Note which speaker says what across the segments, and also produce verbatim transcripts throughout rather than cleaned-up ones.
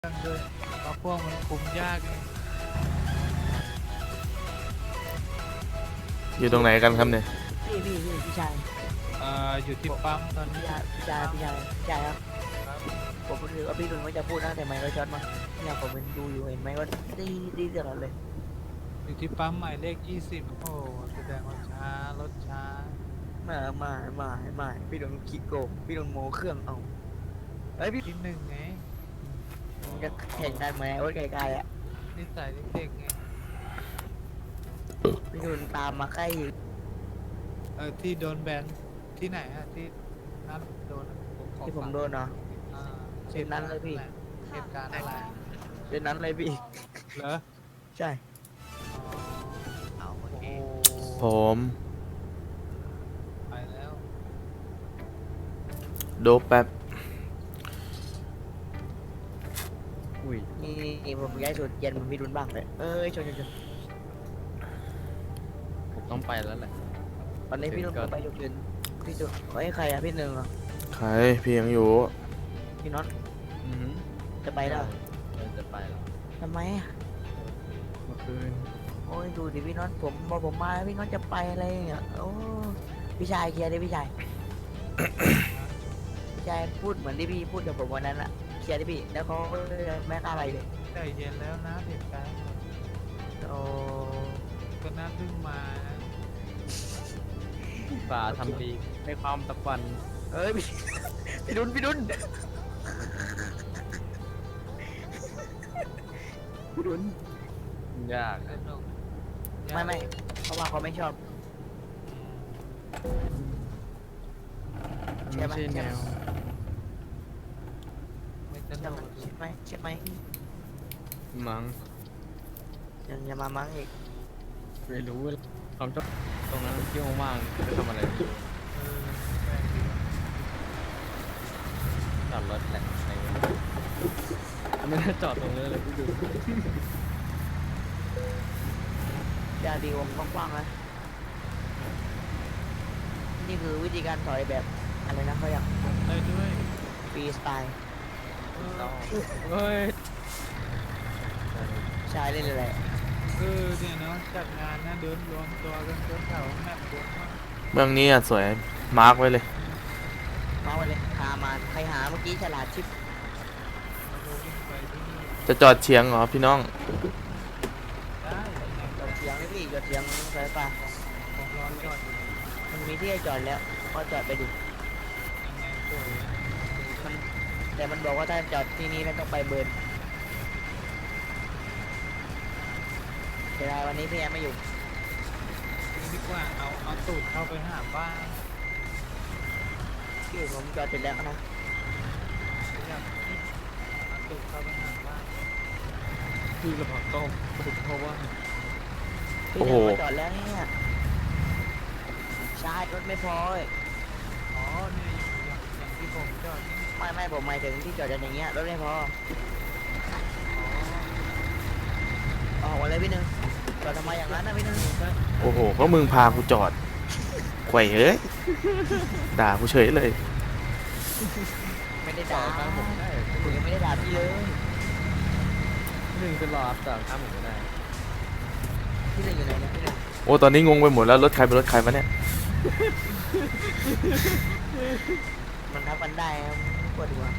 Speaker 1: รื่องด้วยเพราะพวกมันคุมยากไง
Speaker 2: อยู่ตรงไหนกันครับเนี่ย
Speaker 3: พี่พี่พี่พี่ชาย
Speaker 1: เอ่ออยู่ที่ปั๊มตอน
Speaker 3: พี่
Speaker 1: นี้
Speaker 3: ชายพี่ชายพี่ชายพี่ชายครับ
Speaker 1: ครับ
Speaker 3: ผมรู้สึกว่าพี่ดุนว่าจะพูดนะแต่ไม่ก็ช็อตมาเนี่ยผมเป็นดูอยู่เห็นไหมก็ดีดีเดือดเลย
Speaker 1: อยู่ที่ปั๊มหมายเลขยี่สิบโอ้แสดงว่าช้ารถช้า
Speaker 3: มามามามาพี่ดุนขี้โกงพี่ดุนโมเครื่องเอาเฮ้ยพี่
Speaker 1: ที่หนึ่งไง
Speaker 3: จะแข่งกันไหมโอ้ยไกลๆอ่ะ
Speaker 1: นิสัยเด็กๆไง
Speaker 3: พี่ดุนตามมาใกล้อีก
Speaker 1: เออที่โดนแบนที่ไหนอะที่นัดโดนอะขอ
Speaker 3: ที่ผม
Speaker 1: ฟัง
Speaker 3: โดนเนาะ
Speaker 1: อ่า
Speaker 3: เช่นนั้นเลยพี่
Speaker 1: เหตุการณ์อะไร
Speaker 3: เป็นนั้นเลยพี่
Speaker 1: เหรอ
Speaker 3: ใช่
Speaker 1: อ๋อโอ้โห
Speaker 2: ผม
Speaker 1: ไปแล้ว
Speaker 2: โดบแป๊บ
Speaker 3: อุ้ยนี่นี่ผมย้ายสุดเย็นผมพี่ดุนบ้างเลยเอ้ยชนชนชน
Speaker 4: ผมต้องไปแล้วแหละ
Speaker 3: วันนี้พี่ดุนไปยกยืนพี่ดุนเฮ้ยใครอ่ะพี่หนึ่งอ่ะ
Speaker 2: ใครพี่ยังอยู่
Speaker 3: พี่น็อต
Speaker 4: อือหือ
Speaker 3: จะไปแล้ว
Speaker 4: เออจะไปแล้ว
Speaker 3: ทำไมอ่ะ
Speaker 4: เมื่อคืน
Speaker 3: โอ้ยดูดิพี่น็อตผมบอกผมมาแล้วพี่น็อตจะไปอะไรเนี่ยโอ้พี่ชายเคลียร์ดิพี่ชาย พี่ชายพูดเหมือนที่พี่พูดกับผมวันนั้นอะเคลียร์ดิพี่แล้วเขาไม่กล้าอะไรเลย
Speaker 1: ใจเย็นแล้วนะเหตุการณ์
Speaker 3: โอ้
Speaker 1: ก็น่าเพิ่งมานะ
Speaker 4: ฝ่าทำดีในความตะวัน
Speaker 3: เอ้ยพี่ พี่ดุนพี่ดุนพี่ดุน
Speaker 4: ยาก
Speaker 1: สนุก
Speaker 3: ไม่ไม่เพราะว่าเขาไม่ชอบ ใช่
Speaker 4: ไม่
Speaker 3: ไหม
Speaker 4: ใช่แนว
Speaker 1: ไม่ส
Speaker 3: ใช่
Speaker 1: นุ
Speaker 3: ไหม
Speaker 1: ก
Speaker 3: ใช่ไหมใช่ไหม
Speaker 4: มั้ง
Speaker 3: ยังจะมามั้งอีก
Speaker 4: ไม่รู้ความชอบตรงนั้นเที่ยวว่างๆจะทำอะไร
Speaker 1: เออแปลกดีว่ะ
Speaker 4: จอดรถแหละอะไรเงี้ยไม่ได้จอดตรงนี้เลยพี่ดู
Speaker 3: ยาดีวงกว้างๆนะนี่คือวิธีการถอยแบบอะไรนะเขาอยาก
Speaker 1: ได้ด้วย
Speaker 3: ฟรีสไตล์
Speaker 1: เออ
Speaker 4: ต้องเฮ้ย
Speaker 3: ชายเล่นอะไร
Speaker 1: เออเนี่ยเนาะจัดงานนะเดินรวมตัวกันจนแถวแมปรวมมาก
Speaker 2: เมืองนี้อ่ะสวยมาร์กไว้เลย
Speaker 3: มาเลยหามาใครหาเมื่อกี้ฉลาดชิป
Speaker 1: เราวิ่งไปที่นี่
Speaker 2: จะจอดเฉียงเหรอพี่น้อง
Speaker 1: ได้ยังไง
Speaker 3: จอดเสียงนี่พี่จอดเสียงสายฟ้า
Speaker 1: ผมรอจอดอยู่
Speaker 3: มันมีที่ให้จอดแล้วก็จอดไปดิ
Speaker 1: ยังไงสวย
Speaker 3: มันแต่มันบอกว่าถ้าจอดที่นี่แล้วต้องไปเบิร์นเสียดายวันนี้พี่แอมไม่อยู่
Speaker 1: นี่ดีกว่าเอาเอาตูดเข้าไปหาบ้าน
Speaker 3: พี่ผมจอดเสร็จแล้วนะ
Speaker 1: อยากเอาตูดเข้าไปหาบ้าน
Speaker 4: พี่กระเพาะต้มเพราะว่า
Speaker 3: พี่
Speaker 2: โอ้
Speaker 3: แอ
Speaker 2: โห
Speaker 3: มมาจอดแล้วเนี่ยชาร์จรถไม่พอเว้ย
Speaker 1: อ๋อเนี่ยอย่างอย่างที่ผมจอดนี่
Speaker 3: ไม่ไม่ผมหมายถึงที่จอดกันอย่างเงี้ยรถไม่พอ
Speaker 1: อ๋อ
Speaker 3: ออกมาเลยพี่หนึ่งจอดทำไมอย่างนั้นนะพี่หนึ่ง
Speaker 2: โอ้โหก็มึงพากูจอดไขว่เอ้ยด่ากูเฉยเลย
Speaker 3: ไม่ได้
Speaker 4: ต่อ
Speaker 3: ด่า
Speaker 4: ข้างผมได้
Speaker 3: ผมยังไม่ได้ด่าพี่เลย
Speaker 4: หนึ่งจะรอต่อข้ามผมก็ได้
Speaker 3: พี่หนึ่งอยู่ไหนเนี่ยพี่หนึ่ง
Speaker 2: โอ้ตอนนี้งงไปหมดแล้วรถใครเป็นรถใครวะเนี่ย
Speaker 3: มันทับกันได้ครับปวดหัว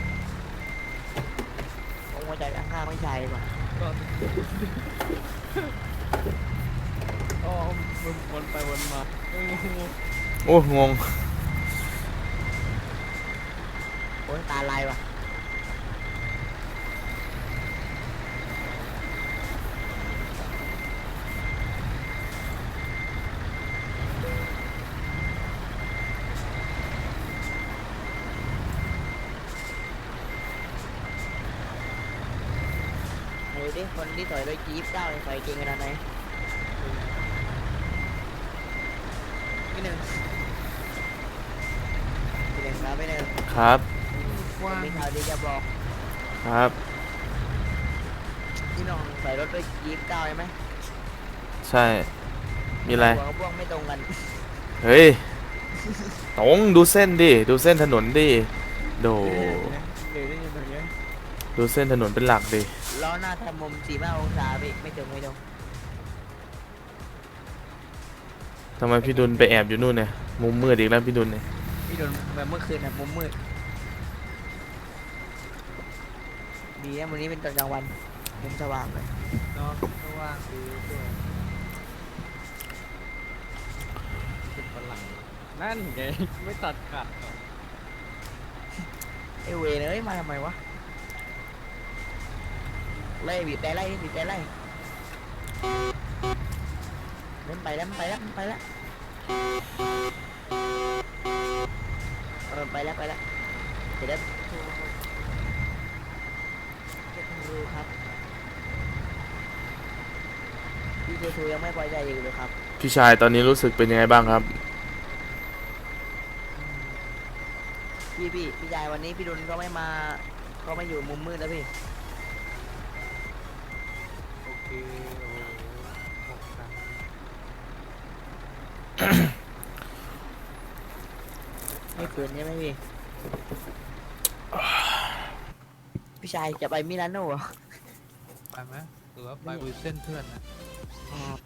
Speaker 3: ผมว่าใจข้างๆไม่ใช่ดีกว่า
Speaker 4: ก็อ๋อมันวนไปวนมาเออ
Speaker 2: โอ้งง
Speaker 3: โอ้ยตาลายว่ะเฮ้ยดิคนที่ถอยโดยจีบเก้าใส่เก่งขนาดไหนพี่หนึ่งพี่หนึ่งครับพี่หนึ่ง
Speaker 2: ครับ
Speaker 1: กว้าง
Speaker 3: มีข่าวดีจะบอก
Speaker 2: ครับ
Speaker 3: พี่น้องใส่รถด้วยจีบเก้าใช่ไหม
Speaker 2: ใช่ มีอะไร
Speaker 3: หัวกับพวกไม่ตรงกัน
Speaker 2: เฮ้ยตรงดูเส้นดิดูเส้นถนนดิโด
Speaker 4: เดี๋ยวได้ยินแบบนี้
Speaker 2: ดูเส้นถนนเป็นหลักดิ
Speaker 3: ล้อหน้าทำมุมสี่ห้าองศาพี่ไม่ถึงไม่ตรง
Speaker 2: ทำไมพี่ดุลไปแอบอยู่นู่นเนี่ยมุมมืดอีกแล้วพี่ดุลเนี่ย
Speaker 3: พี่โดนแบบเมื่อคืนอะมุมมืดดีนะวันนี้เป็นตอนกลางวันมุมสว่างเลย
Speaker 1: เนาะก็ว่างดีด้วย
Speaker 4: เป็นฝรั่งนั่นไงไม่ตัดขาดหรอก
Speaker 3: ไอเวรเอ้ยมาทำไมวะไล่บีบแต่ไล่บีบแต่ไล่เล่นไปแล้วมันไปแล้วมันไปแล้วเออไปแล้วไปแล้วเดี๋ยวโทรเจ็ดรูครับพี่เจทูยังไม่พอใจอยู่เลยครับ
Speaker 2: พี่ชายตอนนี้รู้สึกเป็นยังไงบ้างครับ
Speaker 3: พี่พี่พี่ชายวันนี้พี่ดุลก็ไม่มาก็ไม่อยู่มุมมืดแล้วพี่
Speaker 1: โอเคโอ้โหหกครั้ง
Speaker 3: ไม่คืนใช่ไหมพี่ พี่ชายจะไปมิลานโน่เหรอ
Speaker 1: ไปไหมหรือว่าไปบุยเส้นเพื่อนนะ
Speaker 3: อ๋อ